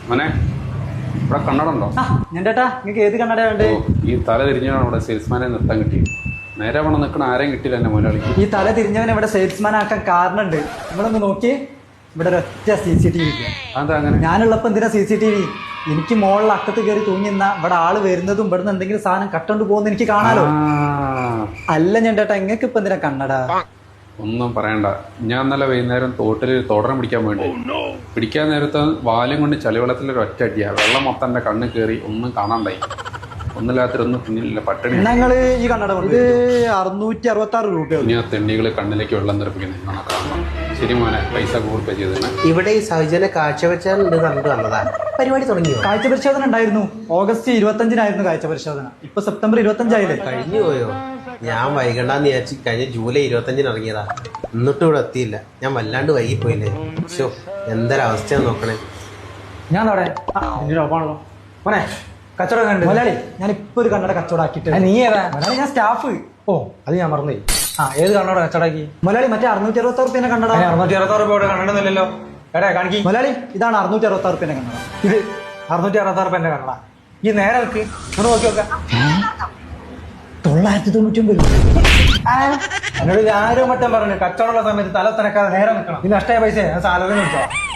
മോനെ ഇവിടെ കണ്ണടുണ്ടോ? ഞാൻ ചേട്ടാ നിങ്ങൾക്ക് ഏത് കണ്ണട വേണ്ടേ? ഈ തല തിരിഞ്ഞാണ് ഇവിടെ സെയിൽസ്മാനെ നിർത്താൻ കിട്ടിയത്. നേരെ അവിടെ നിൽക്കണ ആരെയും കിട്ടില്ല എന്നെ മുതലാളിക്ക്. ഈ തല തിരിഞ്ഞവനെ ഇവിടെ സെയിൽസ്മാൻ ആക്കാൻ കാരണമുണ്ട്. നിങ്ങളൊന്ന് നോക്കി, ഇവിടെ ഒരൊറ്റ CCTV ഇല്ല. അതെന്താ അങ്ങനെ? ഞാനുള്ളപ്പോ എന്തിനാ CCTV? എനിക്ക് മുകളിൽ അക്കത്ത് കയറി തൂങ്ങിന്ന ഇവിടെ ആള് വരുന്നതും ഇവിടുന്ന് എന്തെങ്കിലും സാധനം കട്ടോണ്ട് പോകുന്ന എനിക്ക് കാണാലോ. അല്ല ഞാൻ ചേട്ടാ, നിങ്ങൾക്ക് ഇപ്പൊ എന്തിനാ കണ്ണട? ഒന്നും പറയണ്ട. ഞാൻ ഇന്നലെ വൈകുന്നേരം തോട്ടിൽ തോടനം പിടിക്കാൻ വേണ്ടി പിടിക്കാൻ നേരത്ത് വാലും കൊണ്ട് ചളിവെള്ളത്തിൽ ഒറ്റ അടിയാ. വെള്ളം മൊത്തം എൻ്റെ കണ്ണ് കയറി ഒന്നും കാണാണ്ടായി. ഒന്നില്ലാത്തൊന്നും പിന്നിലില്ല, പട്ടിണി. ഞങ്ങള് ഈ കണ്ണട ഇത് 666 രൂപയാണ്. ഇനി ആ തെണ്ടികൾ കണ്ണിലേക്ക് വെള്ളം തെറിപ്പിക്കുന്നത് കാണാം. ശരി മോനെ, പൈസ ഗൂഗിൾ പേ ചെയ്തേ. ഇവിടെ ഈ സൗജന്യ കാഴ്ചവെച്ചുണ്ട് കണ്ടു വന്നതാണ്. പരിപാടി തുടങ്ങിയോ? കാഴ്ച പരിശോധന ഉണ്ടായിരുന്നു. ഓഗസ്റ്റ് 25-നായിരുന്നു കാഴ്ച പരിശോധന. ഇപ്പൊ സെപ്റ്റംബർ 25 കഴിഞ്ഞു പോയോ? ഞാൻ വൈകണ്ടെന്ന് വിചാരിച്ച് കഴിഞ്ഞ ജൂലൈ 25 ഇറങ്ങിയതാ. എന്നിട്ടും ഇവിടെ എത്തിയില്ല. ഞാൻ വല്ലാണ്ട് വൈകിപ്പോയില്ലേ. ഷോ, എന്തൊരവസ്ഥയാന്ന് നോക്കണേ. ഞാൻ ഓപ്പാണല്ലോ മോനെ. കച്ചവടം കണ്ടു മലയാളി. ഞാൻ ഇപ്പൊ ഒരു കണ്ണട കച്ചവടം ആക്കിയിട്ട്. നീ ഏതാ മലയാളി? ഞാൻ സ്റ്റാഫ്. ഓ, അത് ഞാൻ മറന്നു. ഏത് കണ്ണട കച്ചവടാക്കി മലയാളി? മറ്റേ 666 റുപ്യന്റെ കണ്ണട. 666 രൂപയുടെ കണ്ണടന്നില്ലല്ലോ. എടാ കാണിക്കി മലയാളി. ഇതാണ് 666 റുപ്യന്റെ കണ്ണട. ഇത് 666 രൂപന്റെ കണ്ണട. ഈ നേരെ വെക്ക്, ഇങ്ങോട്ട് നോക്കി നോക്കാം. 999 എന്നോട് ആരോ മറ്റം പറഞ്ഞു കച്ചവടമുള്ള സമയത്ത് തല തനക്കാതെ നേരെ നിൽക്കണം. ഈ നഷ്ടമായ പൈസ ഞാൻ സാലറി നിൽക്കാം.